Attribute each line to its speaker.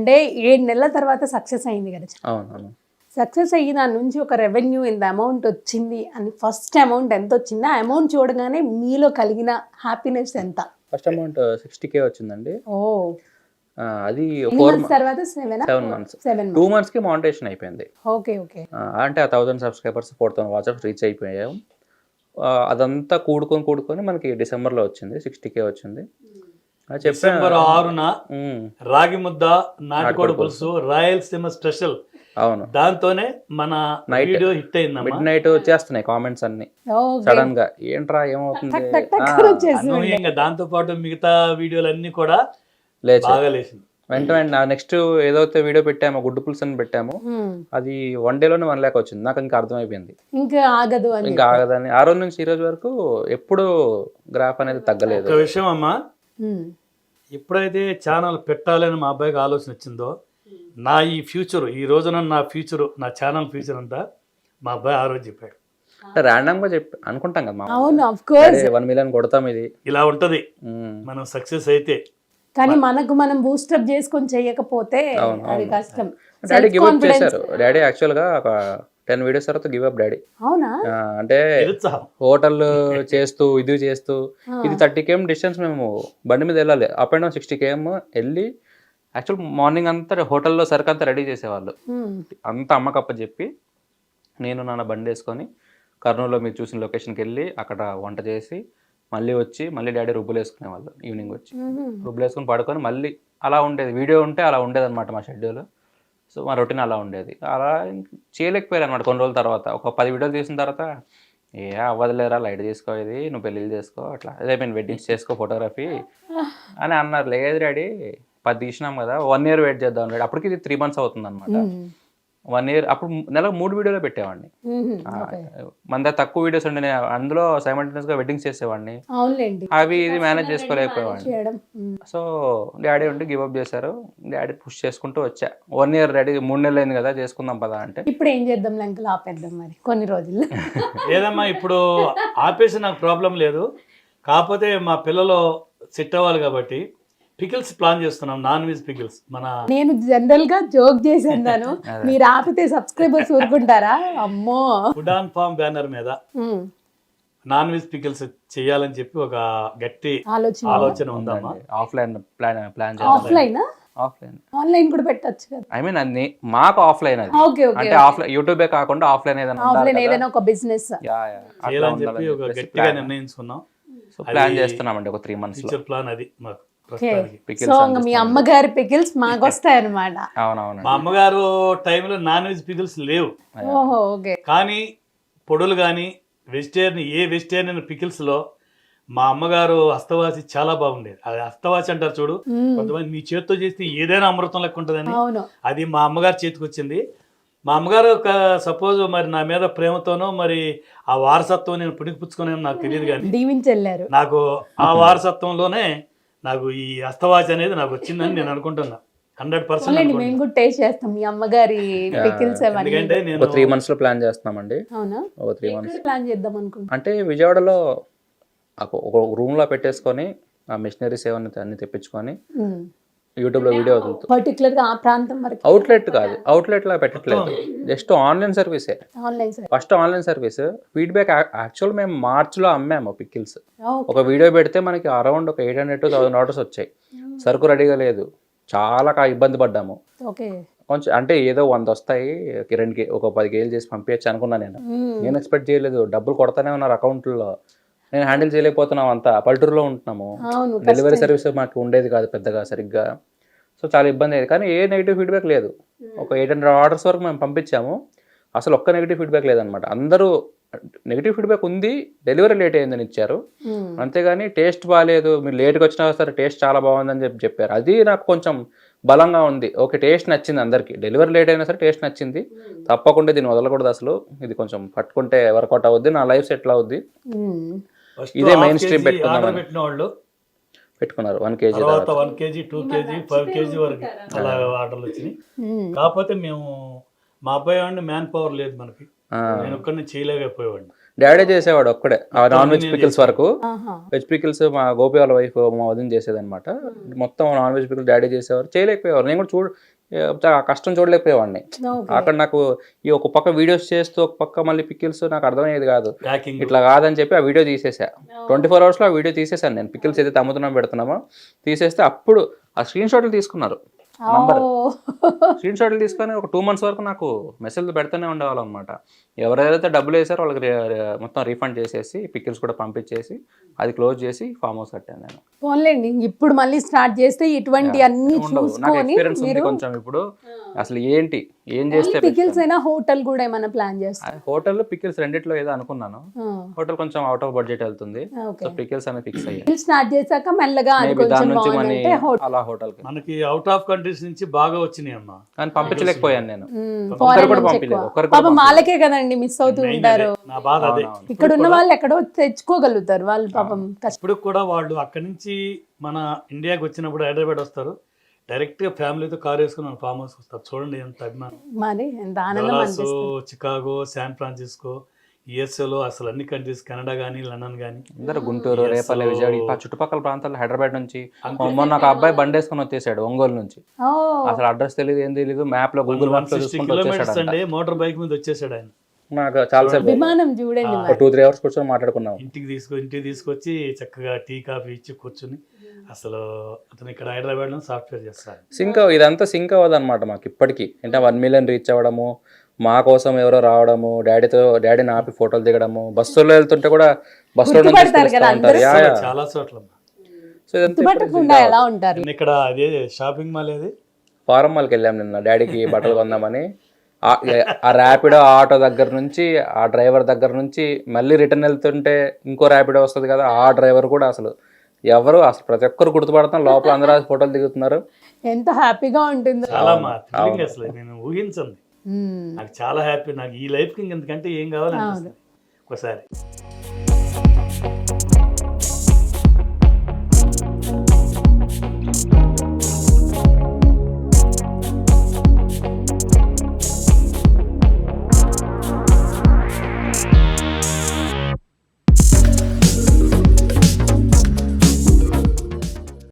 Speaker 1: అంటే 7 నెలల తర్వాత సక్సెస్ అయింది కదా.
Speaker 2: అవును.
Speaker 1: సక్సెస్ అయ్యి దాని నుంచి ఒక రెవెన్యూ ఇంత అమౌంట్ వచ్చింది అని ఫస్ట్ అమౌంట్ ఎంత వచ్చింది, ఆ అమౌంట్ చూడగానే మీలో కలిగిన హ్యాపీనెస్ ఎంత?
Speaker 2: ఫస్ట్ అమౌంట్ 60K వచ్చిందండి.
Speaker 1: ఓ,
Speaker 2: అది
Speaker 1: తర్వాత
Speaker 2: 7 months 2 months కి మానిటైజేషన్ అయిపోయింది.
Speaker 1: Okay okay.
Speaker 2: అంటే ఆ 1000 సబ్స్క్రైబర్స్ 4000 వాట్సాప్ రీచ్ అయిపోయాం. అదంతా కూడుకొని మనకి డిసెంబర్లో వచ్చింది, 60K వచ్చింది.
Speaker 3: డిసెంబర్ 6న రాగి ముద్ద నాటుకోడి పులుసు రాయలసీమ స్పెషల్. అవును, దాంతోనే మన వీడియో హిట్ అయింది.
Speaker 2: మిడ్ నైట్ వచ్చేస్తున్నాయి కామెంట్స్ అన్ని సడన్ గా, ఏంట్రా ఏమవుతుంది.
Speaker 3: అనూహ్యంగా దాంతో పాటు మిగతా వీడియోలు అన్ని కూడా బాగా లేచింది.
Speaker 2: వెంటనే నెక్స్ట్ ఏదైతే వీడియో పెట్టామో గుడ్డు పులుసు అని పెట్టాము, అది 1 dayలోనే 1 lakh వచ్చింది. నాకు ఇంకా అర్థమైపోయింది ఇంకా ఆగదని. ఆ రోజు నుంచి ఈ రోజు వరకు ఎప్పుడు గ్రాఫ్ అనేది తగ్గలేదు.
Speaker 3: ఒక విషయం అమ్మా, ఎప్పుడైతే ఛానల్ పెట్టాలని మా అబ్బాయికి ఆలోచన వచ్చిందో, నా ఈ ఫ్యూచర్, ఈ రోజున నా ఫ్యూచర్, నా ఛానల్ ఫ్యూచర్ అంతా మా అబ్బాయి ఆ రోజు చెప్పాడు.
Speaker 2: ర్యాండమ్ గా చెప్పి అనుకుంటాం కదా,
Speaker 1: 1
Speaker 2: million కొడతాం, ఇది ఇలా
Speaker 3: ఉంటది మనం సక్సెస్ అయితే.
Speaker 1: కానీ మనం బూస్టప్ చేసుకొని చేయకపోతే అది కష్టం.
Speaker 2: డాడీ గివ్ అప్ చేశారు. డాడీ యాక్చువల్ గా ఒక 10 వీడియోస్ తర్వాత గివ్ అప్ డాడీ.
Speaker 1: అవునా?
Speaker 2: అంటే హోటల్ చేస్తూ ఇది 30 km డిస్టెన్స్, మేము బండి మీద వెళ్ళాలి, అప్ అండ్ డౌన్ 60 km వెళ్ళి, యాక్చువల్ మార్నింగ్ అంతా హోటల్లో సరుకు అంతా రెడీ చేసేవాళ్ళు, అంతా అమ్మకప్ప చెప్పి నేను నాన్న బండి వేసుకొని కర్నూలులో మీరు చూసిన లొకేషన్కి వెళ్ళి అక్కడ వంట చేసి మళ్ళీ వచ్చి మళ్ళీ డాడీ రుబ్బులు వేసుకునేవాళ్ళు. ఈవినింగ్ వచ్చి రుబ్బులు వేసుకొని పడుకొని మళ్ళీ అలా ఉండేది. వీడియో ఉంటే అలా ఉండేది అనమాట మా షెడ్యూల్. సో మా రొటీన్ అలా ఉండేది. అలా చేయలేకపోయారు అనమాట. కొన్ని రోజుల తర్వాత ఒక 10 వీడియోలు తీసిన తర్వాత, ఏ అవ్వదులేరా, లైట్ తీసుకో, ఇది నువ్వు పెళ్ళిళ్ళు చేసుకో, అట్లా అదే మేము వెడ్డింగ్స్ చేసుకో, ఫోటోగ్రఫీ అని అన్నారు. లేదు డాడీ 10 తీసినాం కదా, 1 year వెయిట్ చేద్దాం డాడీ. అప్పటికి ఇది 3 months అవుతుంది అనమాట. 1 year అప్పుడు నెలకు 3 వీడియోలు పెట్టేవాడిని. మన దగ్గర తక్కువ వీడియోస్ ఉండే, అందులో సైమల్టేనియస్ గా వెడ్డింగ్స్ చేసేవాడిని. అవి ఇది మేనేజ్ చేసుకోలేకపోయేవాడిని. సో డాడీ ఉంటే గివ్ అప్ చేశారు. డాడీ పుష్ చేసుకుంటూ వచ్చా. 1 year రెడీ, 3 నెలలు అయింది కదా, చేసుకుందాం పదా అంటే.
Speaker 1: ఇప్పుడు ఏం చేద్దాం లంకలు, ఆపేద్దాం మరి కొన్ని రోజులు.
Speaker 3: లేదమ్మా, ఇప్పుడు ఆపేసి నాకు ప్రాబ్లం లేదు. కాకపోతే మా పిల్లలు సెట్ అవ్వాలి కాబట్టి పికిల్స్ ప్లాన్ చేస్తున్నాం, నాన్ వెజ్ పికిల్స్.
Speaker 1: నేను జనరల్ గా జోక్ చేసేదాను, మీరు ఆపితే సబ్స్క్రైబర్స్ ఊరుకుంటారా? అమ్మో.
Speaker 3: ఫుడ్ ఆన్ ఫార్మ్ బ్యానర్ మీద నాన్ వెజ్ పికిల్స్ చేయాలని చెప్పి ఒక గట్టి ఆలోచన ఉందమ్మా.
Speaker 2: ఆఫ్లైన్ ప్లాన్
Speaker 1: ఆన్లైన్ కూడా పెట్టొచ్చు కదా.
Speaker 2: ఐ మీన్ అది మాకు ఆఫ్లైన్, అది అంటే ఆఫ్లైన్ యూట్యూబే కాకుండా ఆఫ్లైన్
Speaker 1: ఏదైనా ఒక బిజినెస్
Speaker 3: చేయాలని చెప్పి ఒక గట్టిగా నిర్ణయించుకున్నాం.
Speaker 2: సో ప్లాన్ చేస్తున్నామండి ఒక 3 months
Speaker 3: ఫ్యూచర్ ప్లాన్ అది మాకు.
Speaker 1: సో మీ అమ్మగారి పికిల్స్ మాకు వస్తాయి అన్నమాట.
Speaker 2: అవునవును,
Speaker 3: మా అమ్మగారు టైంలో నాన్ వెజ్ పికిల్స్ లేవు. కానీ పొడులు కానీ వెజిటేరియన్ పికిల్స్ లో మా అమ్మగారు హస్తవాసి చాలా బాగుండేది. అది హస్తవాసి అంటారు చూడు, కొంతమంది మీ చేతితో చేస్తే ఏదైనా అమృతం లెక్క ఉంటుందని, అది మా అమ్మగారి చేతికి వచ్చింది. మా అమ్మగారు ఒక సపోజ్ మరి నా మీద ప్రేమతోనో మరి ఆ వారసత్వం నేను పుణికిపుచ్చుకునే నాకు తెలియదు, కానీ
Speaker 1: దీవించెళ్ళారు.
Speaker 3: నాకు ఆ వారసత్వంలోనే నాకు ఈ హస్తవాసి అనేది నాకు వచ్చిందని నేను అనుకుంటున్నా. 100%
Speaker 1: మేము కూడా టేస్ట్ చేస్తాం మీ అమ్మగారి పికిల్స్.
Speaker 3: ఎందుకంటే నేను
Speaker 2: 3 months లో ప్లాన్ చేస్తున్నామండి.
Speaker 1: అవునా?
Speaker 2: 3 months
Speaker 1: ప్లాన్ చేద్దాం అనుకుంటున్నా.
Speaker 2: అంటే విజయవాడలో ఒక రూమ్ లో పెట్టేసుకొని ఆ మిషనరీస్ ఏమన్నా అన్ని తెప్పించుకొని యూట్యూబ్ లో వీడియో వదులుతూ,
Speaker 1: పర్టికులర్ గా ఆ ప్రాంతం వరకు
Speaker 2: అవుట్లెట్ కాదు, అవుట్లెట్ లా పెట్టట్లేదు, జస్ట్ ఆన్లైన్ సర్వీసే. First online service. Feedback actual మేము మార్చ్ లో అమ్మాము పికిల్స్. ఒక వీడియో పెడితే మనకి అరౌండ్ ఒక 800 to 1000 orders వచ్చాయి. సరుకు రెడీగా లేదు, చాలా ఇబ్బంది పడ్డాము. కొంచెం అంటే ఏదో 100 వస్తాయి, ఒక 10 kg చేసి పంపించచ్చు అనుకున్నా. నేను ఎక్స్పెక్ట్ చేయలేదు. డబ్బులు కొడతానే ఉన్నారు అకౌంట్లో. నేను హ్యాండిల్ చేయలేకపోతున్నాం. అంతా పల్లెటూరులో ఉంటున్నాము, డెలివరీ సర్వీస్ మాకు ఉండేది కాదు పెద్దగా సరిగ్గా. సో చాలా ఇబ్బంది అయ్యేది. కానీ ఏ నెగిటివ్ ఫీడ్బ్యాక్ లేదు. ఒక 800 orders వరకు మేము పంపించాము, అసలు ఒక్క నెగిటివ్ ఫీడ్బ్యాక్ లేదనమాట. అందరూ నెగిటివ్ ఫీడ్బ్యాక్ ఉంది, డెలివరీ లేట్ అయిందని ఇచ్చారు, అంతేగాని టేస్ట్ బాగాలేదు, మీరు లేట్గా వచ్చినా సరే టేస్ట్ చాలా బాగుందని చెప్పారు. అది నాకు కొంచెం బలంగా ఉంది. ఓకే, టేస్ట్ నచ్చింది అందరికి. డెలివరీ లేట్ అయినా సరే టేస్ట్ నచ్చింది, తప్పకుండా దీన్ని వదలకూడదు. అసలు ఇది కొంచెం పట్టుకుంటే వర్కౌట్ అవుద్ది, నా లైఫ్ సెటిల్ అవుద్ది. ఇదే మెయిన్ స్ట్రీమ్ పెట్టుకున్నారు. 1 kg
Speaker 3: 1 kg 2 kg 5 kg వరకు అలా ఆర్డర్లు వచ్చినాయి. కాకపోతే మేము మా అబ్బాయి వాడిని మ్యాన్ పవర్ లేదు మనకి, నేను ఒక్కడిని చేయలేకపోయేవాడిని.
Speaker 2: డాడీ చేసేవాడు ఒక్కడే నాన్ వెజ్ పికిల్స్ వరకు. వెజ్ పికిల్స్ మా గోపి వాళ్ళ వైఫ్ మా వదిన చేసేది అనమాట. మొత్తం నాన్ వెజ్ పికిల్స్ డాడీ చేసేవారు, చేయలేకపోయేవారు. నేను కూడా ఆ కష్టం చూడలేకపోయేవాడిని.
Speaker 1: ఓకే.
Speaker 2: అక్కడ నాకు ఈ ఒక పక్క వీడియోస్ చేస్తూ ఒక పక్క మళ్ళీ పికిల్స్ నాకు అర్థమయ్యేది కాదు.
Speaker 3: ప్యాకింగ్
Speaker 2: ఇట్లా కాదని చెప్పి ఆ వీడియో తీసేసా. 24 hours లో ఆ వీడియో తీసేసాను నేను. పికిల్స్ ఏదైతే అమ్ముతున్నామో పెడుతున్నామో తీసేస్తే అప్పుడు ఆ స్క్రీన్ షాట్లు తీసుకున్నారు. నంబర్ స్క్రీన్ షాట్లు తీసుకొని ఒక 2 months వరకు నాకు మెసేజ్లు పెడుతూనే ఉండేవాళ్ళు అనమాట. ఎవరైతే డబ్బులు వేసారో వాళ్ళకి మొత్తం రీఫండ్ చేసేసి పికిల్స్ కూడా పంపించేసి అది క్లోజ్ చేసి ఫామ్ హౌస్ కట్టాను నేను.
Speaker 1: పోన్లేండి, ఇప్పుడు మళ్ళీ స్టార్ట్ చేస్తే ఇటువంటి అన్ని
Speaker 2: ఉండవు. నాకు
Speaker 1: చూసుకొని
Speaker 2: ఎక్స్పీరియన్స్ ఉంది
Speaker 1: మీరు
Speaker 2: కొంచెం. ఇప్పుడు అసలు ఏంటి ఏం చేస్తే
Speaker 1: పికిల్స్ అయినా హోటల్ కూడా ఏమైనా ప్లాన్ చేస్తారు?
Speaker 2: హోటల్ పికిల్స్ రెండిట్లో ఏదో అనుకున్నాను. హోటల్ కొంచెం అవుట్ ఆఫ్ బడ్జెట్ వెళ్తుంది.
Speaker 1: ఓకే.
Speaker 2: సో పికిల్స్ అనేది ఫిక్స్ అయ్యాయి.
Speaker 1: స్టార్ట్ చేశాక మెల్లగా అది
Speaker 2: మేబీ
Speaker 1: కొంచెం
Speaker 2: దాని నుంచి మనీ
Speaker 1: బాగుందంటే హోటల్.
Speaker 2: అలా హోటల్కి
Speaker 3: మనకి అవుట్ ఆఫ్ కంట్రీస్ నుంచి బాగా వచ్చినాయి అమ్మా.
Speaker 2: కానీ పంపించలేకపోయాను నేను.
Speaker 1: ఫారెన్
Speaker 2: కూడా
Speaker 1: నుంచి
Speaker 2: పంపించలేదు.
Speaker 1: ఎక్కువ.
Speaker 2: ఒక్కరికి
Speaker 1: పాపం వాళ్ళకే కదండి మిస్ అవుతూ ఉంటారు.
Speaker 3: నా బాధ అదే.
Speaker 1: ఇక్కడ ఉన్న వాళ్ళు ఎక్కడో తెచ్చుకోగలుగుతారు వాళ్ళు పాపం కష్టం.
Speaker 3: ఇప్పుడు కూడా వాళ్ళు అక్కడి నుంచి మన ఇండియాకి వచ్చినప్పుడు హైదరాబాద్ వస్తారు, డైరెక్ట్ గా ఫ్యామిలీతో కార్ వేసుకుని మన ఫామ్ హౌస్ వస్తారు. చూడండి ఎంత అభిమానం.
Speaker 1: మరి ఎంత ఆనందం
Speaker 3: డల్లాస్,
Speaker 1: అనిపిస్తుంది.
Speaker 3: చికాగో, శాన్ ఫ్రాన్సిస్కో, యుఎస్ఏలో అసలు అన్ని కంట్రీస్, కెనడా కానీ లండన్ కానీ
Speaker 2: అందరూ గుంటూరు, రేపల్లి, విజయవాడ ఆ చుట్టుపక్కల ప్రాంతాల్లో హైదరాబాద్ నుంచి మొన్న ఒక అబ్బాయి బండి వేసుకొని వచ్చేసాడు ఒంగోలు నుంచి.
Speaker 1: ఓ,
Speaker 2: అసలు అడ్రస్ తెలియదు ఏం తెలియదు, మ్యాప్ లో గూగుల్ మ్యాప్ లో
Speaker 3: 60
Speaker 2: చూసుకుంటూ
Speaker 3: kilometers
Speaker 2: వచ్చేసాడు.
Speaker 3: అండి మోటార్ బైక్ మీద వచ్చేసాడు ఆయన.
Speaker 2: నాకు చాలాసేపు
Speaker 1: విమానం చూడండి మరి.
Speaker 2: 2-3 hours కూర్చొని మాట్లాడుకున్నాం.
Speaker 3: ఇంటికి తీసుకొచ్చి చక్కగా టీ కాఫీ ఇచ్చి కూర్చుని అసలు అతను ఇక్కడ హైదరాబాద్ లో సాఫ్ట్వేర్ చేస్తారు.
Speaker 2: ఇదంతా సింక్ అవ్వదు అనమాట మాకు ఇప్పటికీ. అంటే 1 million రీచ్ అవ్వడము, మా కోసం ఎవరో రావడము, డాడీని ఆపి ఫోటోలు దిగడము, బస్సులో వెళ్తుంటే కూడా బస్సులో నుంచి
Speaker 1: గుర్తుపడతారు కదా
Speaker 2: ఉంటారు.
Speaker 3: చాలా చోట్ల.
Speaker 2: సో ఇదంతా
Speaker 1: గుర్తుపట్టకుండా ఎలా ఉంటారు?
Speaker 3: నేను ఇక్కడ అదే షాపింగ్ మాల్ ఏది
Speaker 2: ఫారం మాల్కి వెళ్ళాం నిన్న డాడీకి బట్టలు కొందామని. ఆ ర్యాపిడో ఆటో దగ్గర నుంచి, ఆ డ్రైవర్ దగ్గర నుంచి మళ్ళీ రిటర్న్ వెళ్తుంటే ఇంకో ర్యాపిడో వస్తుంది కదా, ఆ డ్రైవర్ కూడా అసలు ప్రతి ఒక్కరు గుర్తుపడతాం. లోపల అందరూ ఫోటోలు దిగుతున్నారు.
Speaker 1: ఎంత హ్యాపీగా ఉంటుందో.
Speaker 3: చాలా మా థ్రిల్లింగ్ అసలు నేను ఊహించండి. నాకు చాలా హ్యాపీ. నాకు ఈ లైఫ్ కి ఇంతకంటే ఏం కావాలనిపిస్తుంది ఒకసారి.